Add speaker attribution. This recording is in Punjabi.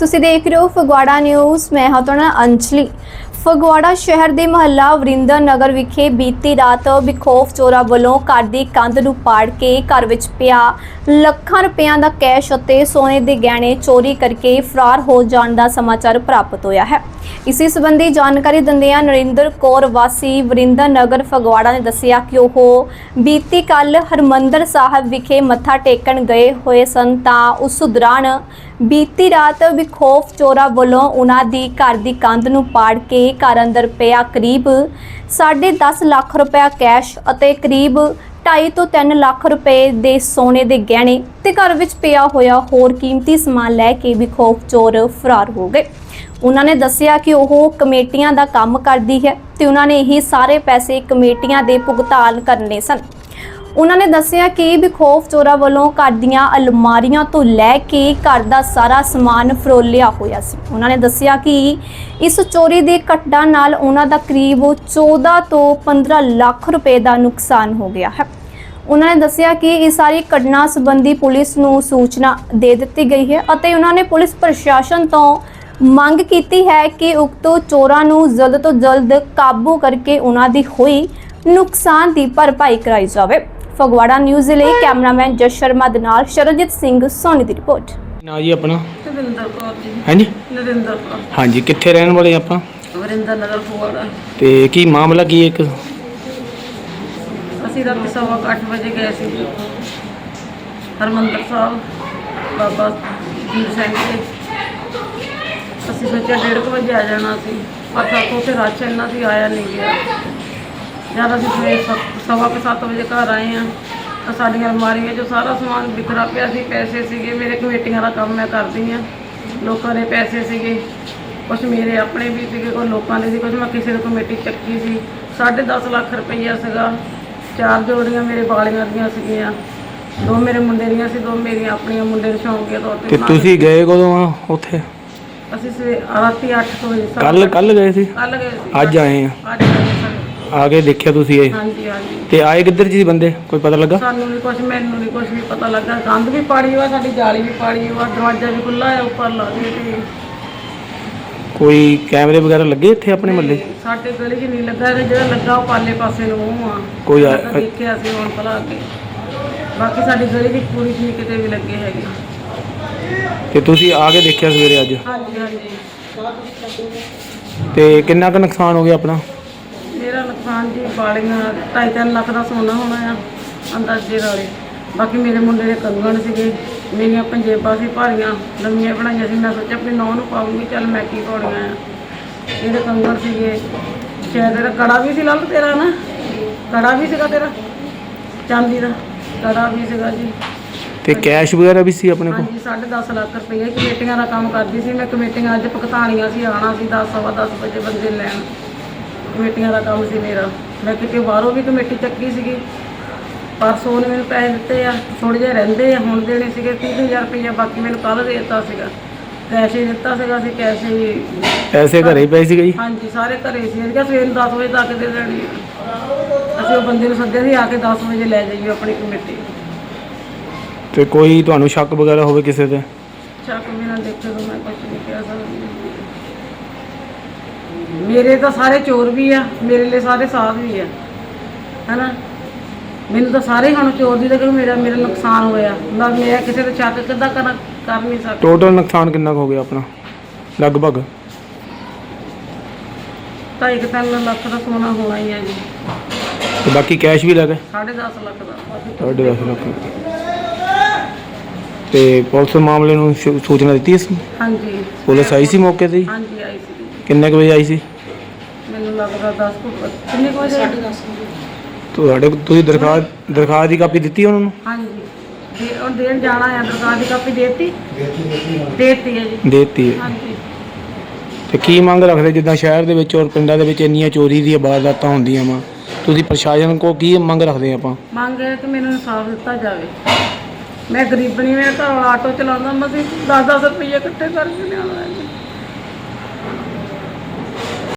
Speaker 1: ਤੁਸੀਂ ਦੇਖ ਰਹੇ ਹੋ ਫਗਵਾੜਾ ਨਿਊਜ਼। ਮੈਂ ਹਾਂ ਤੁਹਾਡਾ ਅੰਜਲੀ। ਫਗਵਾੜਾ ਸ਼ਹਿਰ ਦੇ ਮਹੱਲਾ ਵਰਿੰਦਰ ਨਗਰ ਵਿਖੇ ਬੀਤੀ ਰਾਤ ਬੇਖੌਫ ਚੋਰਾਂ ਵੱਲੋਂ ਘਰ ਦੀ ਕੰਧ ਨੂੰ ਪਾੜ ਕੇ ਘਰ ਵਿੱਚ ਪਿਆ ਲੱਖਾਂ ਰੁਪਇਆਂ ਦਾ ਕੈਸ਼ ਅਤੇ ਸੋਨੇ ਦੇ ਗਹਿਣੇ ਚੋਰੀ ਕਰਕੇ ਫਰਾਰ ਹੋ ਜਾਣ ਦਾ ਸਮਾਚਾਰ ਪ੍ਰਾਪਤ ਹੋਇਆ ਹੈ। ਇਸੇ ਸੰਬੰਧੀ ਜਾਣਕਾਰੀ ਦਿੰਦਿਆਂ ਨਰਿੰਦਰ ਕੌਰ ਵਾਸੀ ਵਰਿੰਦਰ ਨਗਰ ਫਗਵਾੜਾ ਨੇ ਦੱਸਿਆ ਕਿ ਉਹ ਬੀਤੀ ਕੱਲ ਹਰਮੰਦਰ ਸਾਹਿਬ ਵਿਖੇ ਮੱਥਾ ਟੇਕਣ ਗਏ ਹੋਏ ਸਨ ਤਾਂ ਉਸ ਦੌਰਾਨ ਬੀਤੀ ਰਾਤ ਬੇਖੌਫ ਚੋਰਾਂ ਵੱਲੋਂ ਉਹਨਾਂ ਦੀ ਘਰ ਦੀ ਕੰਧ ਨੂੰ ਪਾੜ ਕੇ ਘਰ ਅੰਦਰ ਪਿਆ ਕਰੀਬ 10.5 ਲੱਖ ਰੁਪਏ ਕੈਸ਼ ਅਤੇ ਕਰੀਬ 2.5 ਤੋਂ 3 ਲੱਖ ਰੁਪਏ ਦੇ ਸੋਨੇ ਦੇ ਗਹਿਣੇ ਤੇ ਘਰ ਵਿੱਚ ਪਿਆ ਹੋਇਆ ਹੋਰ ਕੀਮਤੀ ਸਮਾਨ ਲੈ ਕੇ ਬੇਖੌਫ ਚੋਰ ਫਰਾਰ ਹੋ ਗਏ। ਉਹਨਾਂ ਨੇ ਦੱਸਿਆ ਕਿ ਉਹ ਕਮੇਟੀਆਂ ਦਾ ਕੰਮ ਕਰਦੀ ਹੈ ਤੇ ਉਹਨਾਂ ਨੇ ਇਹ ਸਾਰੇ ਪੈਸੇ ਕਮੇਟੀਆਂ ਦੇ ਭੁਗਤਾਨ ਕਰਨੇ ਸਨ। ਉਹਨਾਂ ਨੇ ਦੱਸਿਆ ਕਿ ਬੇਖੌਫ ਚੋਰਾਂ ਵੱਲੋਂ ਘਰ ਦੀਆਂ ਅਲਮਾਰੀਆਂ ਤੋਂ ਲੈ ਕੇ ਘਰ ਦਾ ਸਾਰਾ ਸਮਾਨ ਫਰੋਲਿਆ ਹੋਇਆ ਸੀ। ਉਹਨਾਂ ਨੇ ਦੱਸਿਆ ਕਿ ਇਸ ਚੋਰੀ ਦੇ ਘਟਨਾ ਨਾਲ ਉਹਨਾਂ ਦਾ ਕਰੀਬ 14 ਤੋਂ 15 ਲੱਖ ਰੁਪਏ ਦਾ ਨੁਕਸਾਨ ਹੋ ਗਿਆ ਹੈ। ਉਹਨਾਂ ਨੇ ਦੱਸਿਆ ਕਿ ਇਸ ਸਾਰੀ ਘਟਨਾ ਸੰਬੰਧੀ ਪੁਲਿਸ ਨੂੰ ਸੂਚਨਾ ਦੇ ਦਿੱਤੀ ਗਈ ਹੈ ਅਤੇ ਉਹਨਾਂ ਨੇ ਪੁਲਿਸ ਪ੍ਰਸ਼ਾਸਨ ਤੋਂ ਮੰਗ ਕੀਤੀ ਹੈ ਕਿ ਉਕਤ ਚੋਰਾਂ ਨੂੰ ਜਲਦ ਤੋਂ ਜਲਦ ਕਾਬੂ ਕਰਕੇ ਉਹਨਾਂ ਦੀ ਹੋਈ ਨੁਕਸਾਨ ਦੀ ਭਰਪਾਈ ਕਰਾਈ ਜਾਵੇ। ਫਗਵਾੜਾ ਨਿਊਜ਼ ਲਈ ਕੈਮਰਾਮੈਨ ਜਸ ਸ਼ਰਮਾ ਦੇ ਨਾਲ ਸ਼ਰਨਜੀਤ ਸਿੰਘ ਸੋਨੀ ਦੀ ਰਿਪੋਰਟ।
Speaker 2: ਨਾ ਜੀ ਆਪਣਾ
Speaker 3: ਨਰਿੰਦਰ ਕੌਰ ਜੀ।
Speaker 2: ਹਾਂਜੀ
Speaker 3: ਨਰਿੰਦਰ ਕੌਰ।
Speaker 2: ਹਾਂਜੀ, ਕਿੱਥੇ ਰਹਿਣ ਵਾਲੇ ਆਪਾਂ?
Speaker 3: ਵਰਿੰਦਰ ਨਗਰ ਫਗਵਾੜਾ।
Speaker 2: ਤੇ ਕੀ ਮਾਮਲਾ ਕੀ ਹੈ? ਇੱਕ
Speaker 3: ਅਸੀਂ ਰਾਤ 8:15 ਵਜੇ ਗਏ ਸੀ ਹਰਮੰਦਰ ਸਾਹਿਬ ਬਾਬਾ ਜੀ ਸਿੰਘ ਦੇ। ਅਸੀਂ ਸੋਚਿਆ 1:30 ਵਜੇ ਆ ਜਾਣਾ ਸੀ, ਪਰ ਸਾਤੋਂ ਉੱਥੇ ਰਸ਼ ਇੰਨਾ ਸੀ, ਆਇਆ ਨਹੀਂ ਗਿਆ। ਜਦ ਅਸੀਂ ਸਵੇਰੇ 7:15 ਵਜੇ ਘਰ ਆਏ ਹਾਂ ਤਾਂ ਸਾਡੀਆਂ ਅਲਮਾਰੀਆਂ 'ਚੋਂ ਸਾਰਾ ਸਮਾਨ ਬਿਖਰਾ ਪਿਆ ਸੀ। ਪੈਸੇ ਸੀਗੇ, ਮੇਰੇ ਕਮੇਟੀਆਂ ਦਾ ਕੰਮ ਮੈਂ ਕਰਦੀ ਹਾਂ, ਲੋਕਾਂ ਦੇ ਪੈਸੇ ਸੀਗੇ, ਕੁਛ ਮੇਰੇ ਆਪਣੇ ਵੀ ਸੀਗੇ, ਕੋਈ ਲੋਕਾਂ ਦੇ ਸੀ, ਕੁਛ ਮੈਂ ਕਿਸੇ ਦੀ ਕਮੇਟੀ ਚੱਕੀ ਸੀ। 10.5 ਲੱਖ ਰੁਪਈਆ ਸੀਗਾ। 4 ਜੋੜੀਆਂ ਮੇਰੇ ਬਾਲੀਆਂ ਦੀਆਂ ਸੀਗੀਆਂ, 2 ਮੇਰੇ ਮੁੰਡੇ ਦੀਆਂ ਸੀ, 2 ਮੇਰੀਆਂ ਆਪਣੀਆਂ ਮੁੰਡੇ ਨੂੰ ਸ਼ੌਂਕੀਆ ਤੌਰ ਤੇ।
Speaker 2: ਤੁਸੀਂ ਗਏ ਕਦੋਂ ਆ ਉੱਥੇ?
Speaker 3: ਅਸੀਂ ਰਾਤੀ 8 ਵਜੇ
Speaker 2: ਕੱਲ ਗਏ ਸੀ?
Speaker 3: ਕੱਲ ਗਏ ਸੀ।
Speaker 2: ਅੱਜ ਆਏ ਆ?
Speaker 3: ਅੱਜ ਆਏ ਸਨ।
Speaker 2: ਆ ਕੇ ਦੇਖਿਆ ਤੁਸੀਂ ਇਹ?
Speaker 3: ਹਾਂਜੀ ਹਾਂਜੀ।
Speaker 2: ਤੇ ਆਏ ਕਿੱਧਰ ਜੀ ਬੰਦੇ, ਕੋਈ ਪਤਾ ਲੱਗਾ?
Speaker 3: ਸਾਨੂੰ ਨਹੀਂ ਕੁਛ, ਮੈਨੂੰ ਨਹੀਂ ਕੁਛ ਵੀ ਪਤਾ ਲੱਗਾ। ਕੰਧ ਵੀ ਪਾੜੀ ਹੋਆ, ਸਾਡੀ ਜਾਲੀ ਵੀ ਪਾੜੀ ਹੋਆ, ਦਰਵਾਜ਼ਾ ਵੀ ਖੁੱਲ੍ਹਾ ਹੈ ਉੱਪਰ ਲਾ ਕੇ। ਤੇ
Speaker 2: ਕੋਈ ਕੈਮਰੇ ਵਗੈਰਾ ਲੱਗੇ ਇੱਥੇ ਆਪਣੇ ਮਹੱਲੇ?
Speaker 3: ਸਾਡੇ ਗਲੀ 'ਚ ਨਹੀਂ ਲੱਗਾ, ਜਿਹੜਾ ਲੱਗਾ ਉਹ ਪਾਲੇ ਪਾਸੇ ਨੂੰ ਮੂੰਹ ਆ।
Speaker 2: ਕੋਈ
Speaker 3: ਦੇਖਿਆ ਸੀ ਹੁਣ ਭਲਾ ਕੇ। ਬਾਕੀ ਸਾਡੀ ਗਲੀ ਵਿੱਚ ਪੂਰੀ ਨਹੀਂ ਕਿਤੇ ਵੀ ਲੱਗੇ ਹੈਗੇ।
Speaker 2: ਤੇ ਤੁਸੀਂ ਆ ਕੇ ਦੇਖਿਆ ਸਵੇਰੇ ਅੱਜ?
Speaker 3: ਹਾਂਜੀ ਹਾਂਜੀ।
Speaker 2: ਤੇ ਕਿੰਨਾ ਕੁ ਨੁਕਸਾਨ ਹੋ ਗਿਆ ਆਪਣਾ?
Speaker 3: ਮੇਰਾ ਨੁਕਸਾਨ ਜੀ ਬਾਲੀਆਂ 2.5-3 ਲੱਖ ਦਾ ਸੋਨਾ ਹੋਣਾ ਆ ਅੰਦਾਜ਼ੇ ਨਾਲੇ। ਬਾਕੀ ਮੇਰੇ ਮੁੰਡੇ ਦੇ ਕੰਗਣ ਸੀਗੇ, ਮੇਰੀਆਂ ਪੰਜੇਬਾਂ ਸੀ ਭਾਰੀਆਂ ਲੰਮੀਆਂ ਬਣਾਈਆਂ ਸੀ। ਮੈਂ ਸੋਚਿਆ ਆਪਣੀ ਨੌਂ ਨੂੰ ਪਾਉਂਗੀ, ਚੱਲ ਮੈਂ ਕੀ ਪਾਉਣੀਆਂ ਆ। ਇਹਦੇ ਕੰਗਣ ਸੀਗੇ, ਸ਼ਾਇਦ ਤੇਰਾ ਕੜਾ ਵੀ ਸੀ ਲੱਲ, ਤੇਰਾ ਨਾ ਕੜਾ ਵੀ ਸੀਗਾ ਤੇਰਾ ਚਾਂਦੀ ਦਾ ਕੜਾ ਵੀ ਸੀਗਾ ਜੀ।
Speaker 2: ਤੇ ਕੈਸ਼ ਵਗੈਰਾ ਵੀ ਸੀ ਆਪਣੇ ਕੋਲ?
Speaker 3: ਹਾਂਜੀ, 10.5 ਲੱਖ ਰੁਪਏ। ਕਮੇਟੀਆਂ ਦਾ ਕੰਮ ਕਰਦੀ ਸੀ ਮੈਂ, ਕਮੇਟੀਆਂ ਅੱਜ ਭੁਗਤਾਨੀਆਂ ਸੀ, ਆਉਣਾ ਸੀ 10-10:15 ਵਜੇ ਬੰਦੇ ਲੈਣ। ਕਮੇਟੀਆਂ ਦਾ ਕੰਮ ਸੀ ਮੇਰਾ। ਮੈਂ ਕਿਤੇ ਬਾਹਰੋਂ ਵੀ ਕਮੇਟੀ ਚੱਕੀ ਸੀਗੀ, ਪਰਸੋਂ ਨੇ ਮੈਨੂੰ ਪੈਸੇ ਦਿੱਤੇ ਆ, ਥੋੜ੍ਹੇ ਜਿਹੇ ਰਹਿੰਦੇ ਆ, ਹੁਣ ਦੇਣੇ ਸੀਗੇ 30,000 ਰੁਪਈਆ। ਬਾਕੀ ਮੈਨੂੰ ਕੱਲ੍ਹ ਦੇ ਦਿੱਤਾ ਸੀਗਾ, ਕੈਸ਼ ਹੀ ਦਿੱਤਾ ਸੀਗਾ। ਅਸੀਂ ਕੈਸ਼ ਹੀ
Speaker 2: ਪੈਸੇ ਘਰੇ ਹੀ ਪਏ ਸੀਗੇ ਜੀ?
Speaker 3: ਹਾਂਜੀ, ਸਾਰੇ ਘਰੇ ਸੀ। ਅਸੀਂ ਸਵੇਰ ਨੂੰ 10 ਵਜੇ ਤੱਕ ਦੇ ਦੇਣੀ। ਅਸੀਂ ਉਹ ਬੰਦੇ ਨੂੰ ਸੱਦਿਆ ਸੀ, ਆ ਕੇ 10 ਵਜੇ ਲੈ ਜਾਈਏ ਆਪਣੀ ਕਮੇਟੀ।
Speaker 2: ਤੇ ਕੋਈ ਤੁਹਾਨੂੰ ਸ਼ੱਕ ਵਗੈਰਾ ਹੋਵੇ ਕਿਸੇ ਤੇ?
Speaker 3: ਸ਼ੱਕ ਬਿਨਾਂ ਦੇਖੇ ਤਾਂ ਮੈਂ ਕੁਛ ਨਹੀਂ ਕਹਿ ਸਕਦੀ। ਮੇਰੇ ਤਾਂ ਸਾਰੇ ਚੋਰ ਵੀ ਆ, ਮੇਰੇ ਲਈ ਸਾਰੇ ਸਾਥ ਵੀ ਆ, ਹੈ ਨਾ। ਮੈਨੂੰ ਤਾਂ ਸਾਰੇ ਹੁਣ ਚੋਰ ਦੀ ਕਿ ਮੇਰਾ ਨੁਕਸਾਨ ਹੋਇਆ। ਮੈਂ ਕਿਸੇ ਤੇ ਸ਼ੱਕ ਕਿੱਦਾਂ ਕਰ ਨਹੀਂ ਸਕਦਾ।
Speaker 2: ਟੋਟਲ ਨੁਕਸਾਨ ਕਿੰਨਾ ਕੁ ਹੋ ਗਿਆ ਆਪਣਾ ਲਗਭਗ?
Speaker 3: 2.5-3 ਲੱਖ ਦਾ ਸੋਨਾ ਹੋਣਾ ਹੀ ਹੈ ਜੀ।
Speaker 2: ਤੇ ਬਾਕੀ ਕੈਸ਼ ਵੀ ਲੱਗੇ?
Speaker 3: 10.5 ਲੱਖ ਦਾ।
Speaker 2: 10.5 ਲੱਖ। ਤੇ ਪੁਲਿਸ ਮਾਮਲੇ ਨੂੰ ਸੂਚਨਾ ਦਿੱਤੀ ਸੀ?
Speaker 3: ਹਾਂਜੀ,
Speaker 2: ਪੁਲਿਸ ਆਈ ਸੀ ਮੌਕੇ ਤੇ?
Speaker 3: ਹਾਂਜੀ ਆਈ ਸੀ।
Speaker 2: ਕਿੰਨੇ ਕੁ ਵਜੇ ਆਈ ਸੀ?
Speaker 3: ਮੈਨੂੰ ਲੱਗਦਾ 10 ਕਿੰਨੇ ਕੁ ਵਜੇ? 10:30।
Speaker 2: ਤੁਸੀਂ ਦਰਖਾਸਤ ਦੀ ਕਾਪੀ ਦਿੱਤੀ ਉਹਨਾਂ ਨੂੰ?
Speaker 3: ਹਾਂਜੀ, ਉਹ ਦੇਣ ਜਾਣਾ ਆ। ਦਰਖਾਸਤ ਦੀ ਕਾਪੀ ਦੇਤੀ ਹੈ ਜੀ।
Speaker 2: ਦੇਤੀ ਹੈ।
Speaker 3: ਹਾਂਜੀ।
Speaker 2: ਤੇ ਕੀ ਮੰਗ ਰੱਖਦੇ, ਜਿੱਦਾਂ ਸ਼ਹਿਰ ਦੇ ਵਿੱਚ ਔਰ ਪਿੰਡਾਂ ਦੇ ਵਿੱਚ ਇੰਨੀਆਂ ਚੋਰੀ ਦੀਆਂ ਵਾਰਦਾਤਾਂ ਹੁੰਦੀਆਂ ਵਾ, ਤੁਸੀਂ ਪ੍ਰਸ਼ਾਸਨ ਕੋਲ ਕੀ ਮੰਗ ਰੱਖਦੇ ਆਪਾਂ?
Speaker 3: ਮੰਗ ਹੈ ਕਿ ਮੈਨੂੰ ਇਨਸਾਫ ਦਿੱਤਾ ਜਾਵੇ। ਮੈਂ ਗਰੀਬਣੀ, ਮੇਰਾ ਘਰ ਆਟੋ ਚਲਾਉਂਦਾ, ਮੈਂ 10-10 ਰੁਪਏ ਇਕੱਠੇ ਕਰਕੇ ਲਿਆਉਣਾ।